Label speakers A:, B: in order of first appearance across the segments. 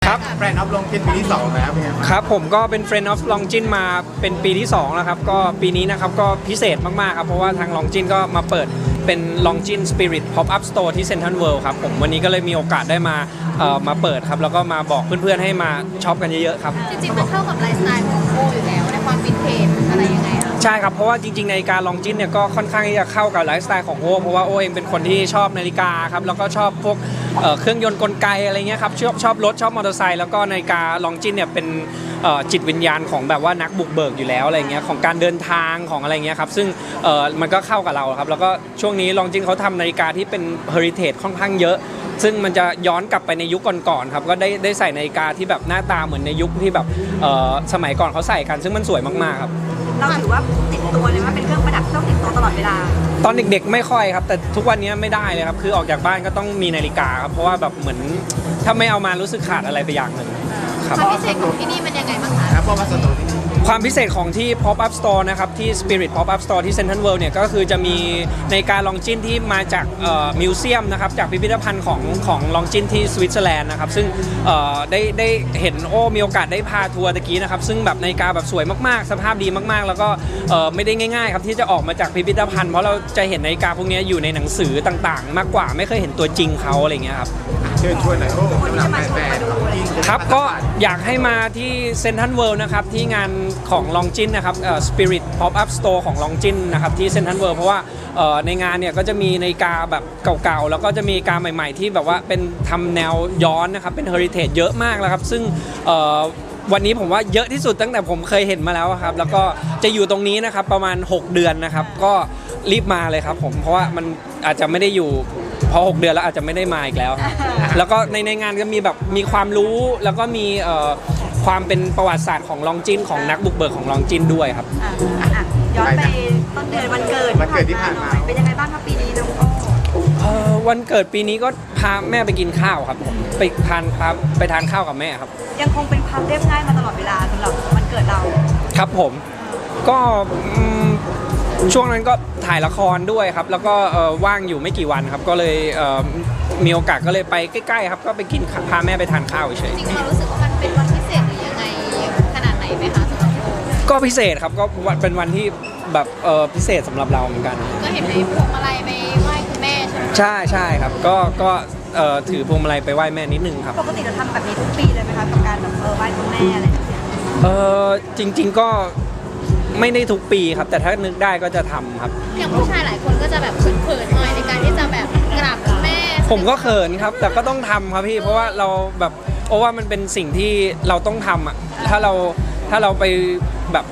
A: ครับ
B: แบรนด์อัพลงกินปีที่2แล้วเป็นไงบ้าง
A: ครับผมก็เป็น Friend of Longin มาเป็นปีที่2แล้วครับก็ปีนี้นะครับก็พิเศษมากๆครับเพราะว่าทาง Longin ก็มาเปิดเป็น Longin Spirit Pop-up Store ที่ Central World ครับผมวันนี้ก็เลยมีโอกาสได้มาเปิดครับแล้วก็มาบอกเพื่อนๆให้มาช็อปกันเยอะๆครับ
C: จริงๆมันเข้ากับไลฟ์สไตล์ของโออยู่แล้วในความวินเทจอะไรยังไงคะ
A: ใช่ครับเพราะว่าจริงๆนาฬิกา Longin เนี่ยก็ค่อนข้างที่จะเข้ากับไลฟ์สไตล์ของโอเพราะว่าโอเองเป็นคนที่ชอบนาฬิกาครับแล้วก็ชอบพวกเครื่องยนต์กลไกอะไรเงี้ยครับชอบรถชอบมอเตอร์ไซค์แล้วก็นาฬิกา Longin เนี่ยเป็นจิตวิญญาณของแบบว่านักบุกเบิกอยู่แล้วอะไรเงี้ยของการเดินทางของอะไรเงี้ยครับซึ่งมันก็เข้ากับเราครับแล้วก็ช่วงนี้ Longin เขาทำนาฬิกาที่เป็น heritage ค่อนข้างเยอะซึ่งมันจะย้อนกลับไปในยุคก่อนๆครับก็ได้ใส่นาฬิกาที่แบบหน้าตาเหมือนในยุคที่แบบสมัยก่อนเขาใส่กันซึ่งมันสวยมากๆครับ
D: เราถือว่าติดตัวเลยว่าเป็นเครื่องประดับต้องติดตัวตลอดเวลา
A: ตอนเด็กๆไม่ค่อยครับแต่ทุกวันนี้ไม่ได้เลยครับคือออกจากบ้านก็ต้องมีนาฬิกาครับเพราะว่าแบบเหมือนถ้าไม่เอามารู้สึกขาดอะไรไปอย่างหนึ่งครับ
C: ความพิเศษของที่นี่มันยังไงบ้างคะ
B: แล้วพอมาสตูที่นี่
A: ความพิเศษของที่ Pop-up Store นะครับที่ Spirit Pop-up Store ที่ Central World เนี่ยก็คือจะมีในการลองจินที่มาจากมิวเซียมนะครับจากพิพิธภัณฑ์ของลองจินที่สวิตเซอร์แลนด์นะครับซึ่งได้เห็นโอ้มีโอกาสได้พาทัวร์ตะกี้นะครับซึ่งแบบนาฬิกาแบบสวยมากๆสภาพดีมากๆแล้วก็ไม่ได้ง่ายๆครับที่จะออกมาจากพิพิธภัณฑ์เพราะเราจะเห็นนาฬิกาพวกนี้อยู่ในหนังสือต่างๆมากกว่าไม่เคยเห็นตัวจริงเขาอะไรเงี้ยครับ
B: เชิญชวนหน่อยโอ้สำหรับแบรนด์
A: ครับก็อยากให้มาที่เซ็นทรัลเวิลด์นะครับที่งานของ Longin นะครับSpirit Pop-up Store ของ Longin นะครับที่เซ็นทรัลเวิลด์เพราะว่าในงานเนี่ยก็จะมีนาฬิกาแบบเก่าๆแล้วก็จะมีนาฬิกาใหม่ๆที่แบบว่าเป็นทำแนวย้อนนะครับเป็น heritage เยอะมากแล้วครับซึ่งวันนี้ผมว่าเยอะที่สุดตั้งแต่ผมเคยเห็นมาแล้วครับแล้วก็จะอยู่ตรงนี้นะครับประมาณ6เดือนนะครับก็รีบมาเลยครับผมเพราะว่ามันอาจจะไม่ได้อยู่พอ6เดือนแล้วอาจจะไม่ได้มาอีกแล้วแล้วก็ในงานก็มีแบบมีความรู้แล้วก็มีความเป็นประวัติศาสตร์ของลองจินของนักบุกเบิกของลองจินด้วยครับ
D: ย้อนไปต้นเดือนวันเกิดที่ผ่านมาเป็นยังไงบ้างครับปีนี้น้องโอ้
A: วันเกิดปีนี้ก็พาแม่ไปกินข้าวครับไปทานข้าวกับแม่ครับ
D: ยังคงเป็นความเรียบง่ายมาตลอดเวลาสำหรับวันเกิดเรา
A: ครับผมก็ช่วงนั้นก็ถ่ายละครด้วยครับแล้วก็ว่างอยู่ไม่กี่วันครับก็เลยมีโอกาสก็เลยไปใกล้ๆครับก็ไปกินพาแม่ไปทานข้าวเฉย
C: จริงๆเรารู้สึกว่ามันเป็นวันพิเศษหรือยังไงขนาดไหนไหมคะสำหรับโอ
A: ก็พิเศษครับก็เป็นวันที่แบบพิเศษสำหรับเราเหมือนกัน
C: ก็เห็นในพวงมาลัยไปไหว้คุณแม่ใช่ไหม
A: ใช่ครับก็ถือพวงมาลัยไปไหว้แม่นิดนึงครับ
D: ปกติจะทำแบบนี้ทุกปีเลยไหมคะกับการแบบไหว้คุณแม่อะไรแบบนี้
A: จริงๆก็ไม่ได้ทุกปีครับแต่ถ้านึกได้ก็จะทำครับ
C: อย่างผู้ชายหลายคนก็จะแบบเขินๆหน่อยในการที่จะแบบกราบคุณแม่
A: ผมก็เขินครับแต่ก็ต้องทำครับพี่เพราะว่าเราแบบเพราะว่ามันเป็นสิ่งที่เราต้องทำอ่ะถ้าเราไปแบบ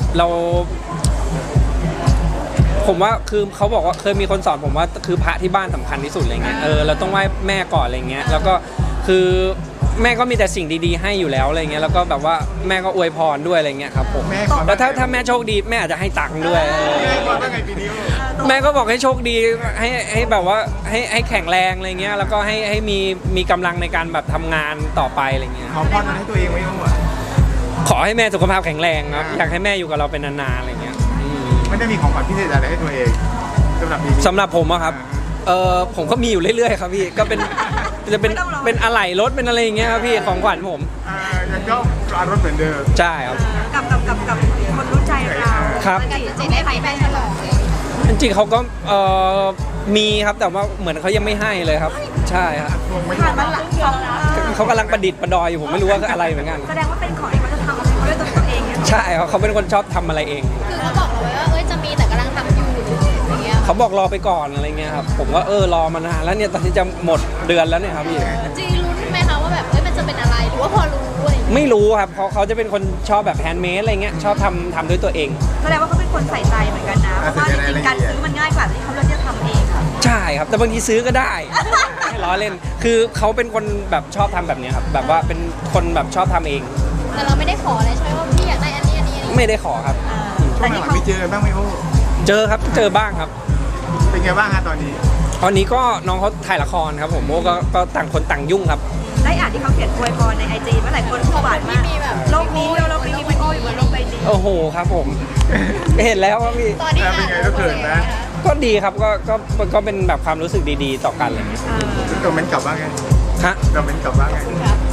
A: ผมว่าคือเขาบอกว่าเคยมีคนสอนผมว่าคือพระที่บ้านสำคัญที่สุดอะไรเงี้ยเราต้องไหว้แม่ก่อนอะไรเงี้ยแล้วก็คือแม่ก็มีแต่สิ่งดีๆให้อยู่แล้วอะไรเงี้ยแล้วก็แบบว่าแม่ก็อวยพรด้วยอะไรเงี้ยครับผมแล้วถ้าแม่โชคดีแม่อาจจะให้ตังค์ด้วยแม่ก็บอกให้โชคดีให้แบบว่าให้แข็งแรงอะไรเงี้ยแล้วก็ให้มีกำลังในการแบบทำงานต่อไปอะไรเงี้ย
B: ขอพรให้ตัวเองไว้ก่อน
A: ขอให้แม่สุขภาพแข็งแรงครับอยากให้แม่อยู่กับเราเป็นนานๆอะไรเงี้ย
B: ไม่ได้มีของขวัญพิเศษอะไรให้ตัวเอง
A: สำหรับผมอะครับผมก็มีอยู่เรื่อยๆครับพี่ก็จะเป็นอะไหล่รถเป็นอะไรอย่างเงี้ยครับพี่ของขวัญผม
B: ยังชอบร้านรถเหมือนเดิม
A: ใช่ครับ
D: กับคนรู้ใจเรา
A: ครับ
C: จริงๆได้ไปฉลอง
A: จริงๆเขาก็มีครับแต่ว่าเหมือนเขายังไม่ให้เลยครับใช่ครับเขากำลังประดิษฐ์ประดอยอยู่ผมไม่รู้ว่าอะไรเหมือนกัน
D: แสดงว่าเป็นของที่เขาจะทำเขาด้วยตัวเอง
A: ใช่เขาเป็นคนชอบทำอะไรเอง
C: คือเขาบอกเราไว้ว่าจะมีแต่กำลังทำอยู่อย่างเงี้ย
A: เขาบอกรอไปก่อนอะไรเงี้ยครับผมก็รอมานานแล้วเนี่ยตอนที่จะหมดเดือนแล้วเนี่ยครับพี่
C: จริงลุ้นไหมคะว่าแบบมันจะเป็นอะไรหรือว่าพอรู้อะไร
A: ไม่รู้ครับเพราะเขาจะเป็นคนชอบแบบแฮนด์เมดอะไรเงี้ยชอบทำด้วยตัวเอง
D: แสดงว่าเขาเป็นคนใส่ใจเหมือนกันนะเพราะว่าจริงๆการซื้อมันง่ายกว่าที่เขาเลือกจะทำเองค่ะ
A: ใช่ครับแต่บางทีซื้อก็ได้ไม่ล้อเล่นคือเขาเป็นคนแบบชอบทำแบบนี้ครับแบบว่าเป็นคนแบบชอบทำเอง
C: แต่เราไม่ได้ขอเลยใช่ไหมว่าพี่อยากได้อันนี้
A: ไม่ได้ขอครับ
B: ช่วงหลังไม่เจอบ้างไหมโอ้
A: เจอครับเจอบ้างครับ
B: เป็นไงบ้างฮะตอนนี้
A: ก็น้องเขาถ่ายละครครับผมโอ้ก็ต่างคนต่างยุ่งครับ
D: ได้อ่านที่เขาเขียนอวยพรใน IG ว่าหลายคนหวานมากโลกนี้โลกนี้พี่โอ้อยู่บนโลกใบนี้
A: โอ้โหครับผมเห็นแล้วครับพี่
C: ตอนนี้
B: เป็นไงก็เขินนะ
A: ก็ดีครับก็เป็นแบบความรู้สึกดีๆต่อกันอะไรอย่างเงี้ย
B: เราเม้นกลับบ้างไง
A: ฮะ
B: เราเม้นกลับบ้างไง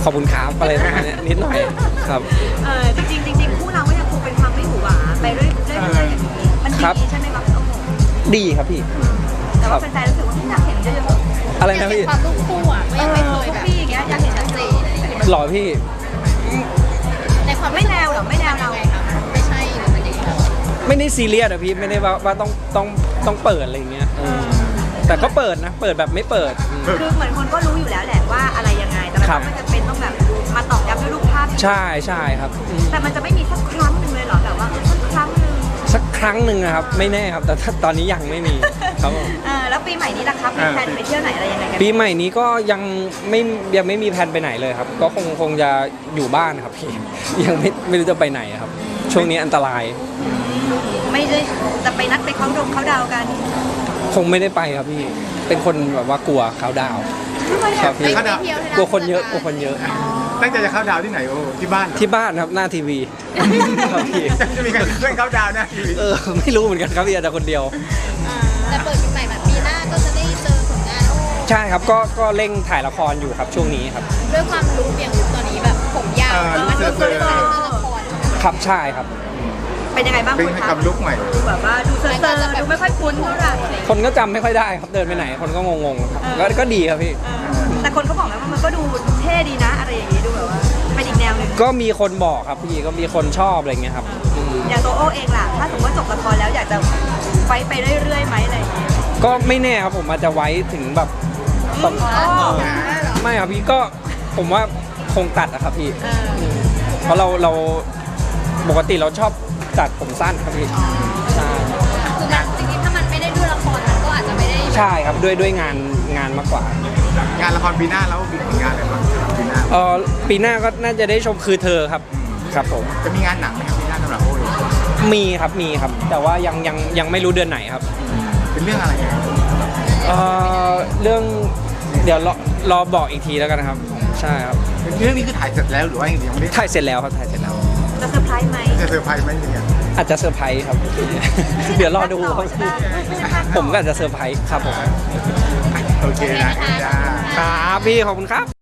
A: ขอบคุณครับอะไรประมาณเนี้ยนิดหน่อยครับ
D: จริงๆคู่เราก็ยังคงเป็นความไม่หวือหวาไปเรื่อยๆอย่างนี้มัน
A: ครับ
D: ดีใช่ไหมครับพี่โอ้โห
A: ดีครับพี่
D: แต่ว่าแฟนๆรู้สึกว่าไม่อยากเห็นเยอะ
A: อะไร
C: อยาก
A: นะ
C: เห็น
A: พี่
C: ความลูกคู่อ่ะก็ยังไม่เคยแบบ
D: พี่อย่างเงี้ยอยากเห็น
C: ชัดเจนอะไรอย่างเงี้ย
A: หล่อพี่
C: ในความ
D: ไม่แนวหรอไม่แนวเรา
C: ไงคะไม่ใช่หรือมันยังไงคะ
A: ไม่ได้ซีเรียสอะพี่ไม่ได้ว่าต้องเปิดอะไรอย่างเงี้ยแต่ก็เปิดนะ เปิดแบบไม่เปิด
D: คือเหมือนคนก็รู้อยู่แล้วแหละว่าอะไรยังไงแต่มัน
A: ครับ
D: ก็ไม่จำเป็นต้องแบบมาตอกย้ำด้วยรูปภาพ
A: ใช่ใช่ครับ
D: แต่มันจะไม่มีสักครั้งหนึ่งเลยเหรอแบบว่าสักครั้งหนึ่ง
A: สักครั้งหนึ่งนะครับ ไม่แน่ครับ แต่ถ้าตอนนี้ยังไม่มีครับผม
D: แล้วปีใหม่นี้ล่ะครับมีแพลนไปเที่ยวไหนอะไรยังไงกัน
A: ปีใหม่นี้ก็ยังไม่มีแผนไปไหนเลยครับ ก็คงจะอยู่บ้านครับพี่ ยังไม่รู้จะไปไหนครับ ช่วงนี้อันตราย
D: ไม่ได้จะไปนัดไปเขาดาวกัน
A: คงไม่ได้ไปครับพี่ เป็นคนแบบว่ากลัวเขาดาวน์ครับพี่
C: ไม่เที่ยวที่
A: กลัวคนเยอะกลัวคนเยอะ
B: ตั้งใจจะเข้าดาวที่ไหนโอ้ที่บ้านเหรอ
A: ที่บ้านครับหน้าทีวีครับพี่
B: จะมีการเพื่อนเข้าดาวนะทีวี
A: ไม่รู้เหมือนกันครับพี่อาจจะคนเดียว
C: แต่เปิดปีใหม่แบบปีหน้าก็จะได้เจอผลงานโอ้
A: ใช่ครับก็เร่งถ่ายละครอยู่ครับช่วงนี้ครับ
C: ด้วยความรู้อย่างรู้ตอนนี้แบบผมยาวมันก็คือการเล่นละคร
A: ครับใช่ครับ
D: เป็นยังไงบ้าง
B: เป็น
D: คุณครั
B: กับลุกใหม่
D: ดูแบบว่าดูเซอร์ๆดูไม่ค่อยคุ้นเท่าไหร่
A: คนก็จำไม่ค่อยได้ครับเดินไปไหนคนก็งงๆครับก็ดีครับพี่
D: แต่คนก็บอกนะว่ามันก็ดูเท่ดีนะอะไรอย่างงี้ดูแบบว่าเป็นอีกแนวหนึ่ง
A: ก็มีคนบอกครับพี่ก็มีคนชอบอะไรเงี้ยครับอืม
D: อย่างตัวโอเองล่ะถ้าสมมติว่าจบละครแล้วอยากจะไฟไปเรื่อยๆไหมอะไรอย่างงี้
A: ก็ไม่แน่ครับผมอาจจะไว้ถึงแบบตอนไม่ครับพี่ก็ผมว่าคงตัดอะครับพี่ เพราะเราปกติเราชอบตัดผมสั้นครับพี่ใช่
C: คือมันจริงๆถ้ามันไม่ได้ด้วยละครมันก็อาจจะไม่ได้
A: ใช่ครับด้วยงานมากกว่า
B: งานละครปีหน้าแล้วมีผลงานอะไรบ้างปีหน้า
A: ปีหน้าก็น่าจะได้ชมคือเธอครับครับผม
B: จะมีงานหนังไหมครับปีหน้าสำหรับโอ้ย
A: มีครับ แต่ว่ายังไม่รู้เดือนไหนครับ
B: เป็นเรื่องอะไรยังไง
A: เรื่องเดี๋ยวรอบอกอีกทีแล้วกันนะครับใช่ครับ
B: เรื่องนี้คือถ่ายเสร็จแล้วหรือว่ายังไม่ได้
A: ถ่ายเสร็จแล้วครับถ่ายเสร็จแล้ว
D: จะเซอร์ไพรส์ไหม
B: จะเซอร์ไพรส์ไหมเนี่ย
A: อาจจะเซอร์ไพรส์ครับ เดี๋ยวรอดูครับ
D: ไม่ใช่ภาคต่อ
A: ผมก็อาจจะเซอร์ไพรส์ครับผม
B: โอเคนะจ้า
A: ครับพี่ขอบคุณครับ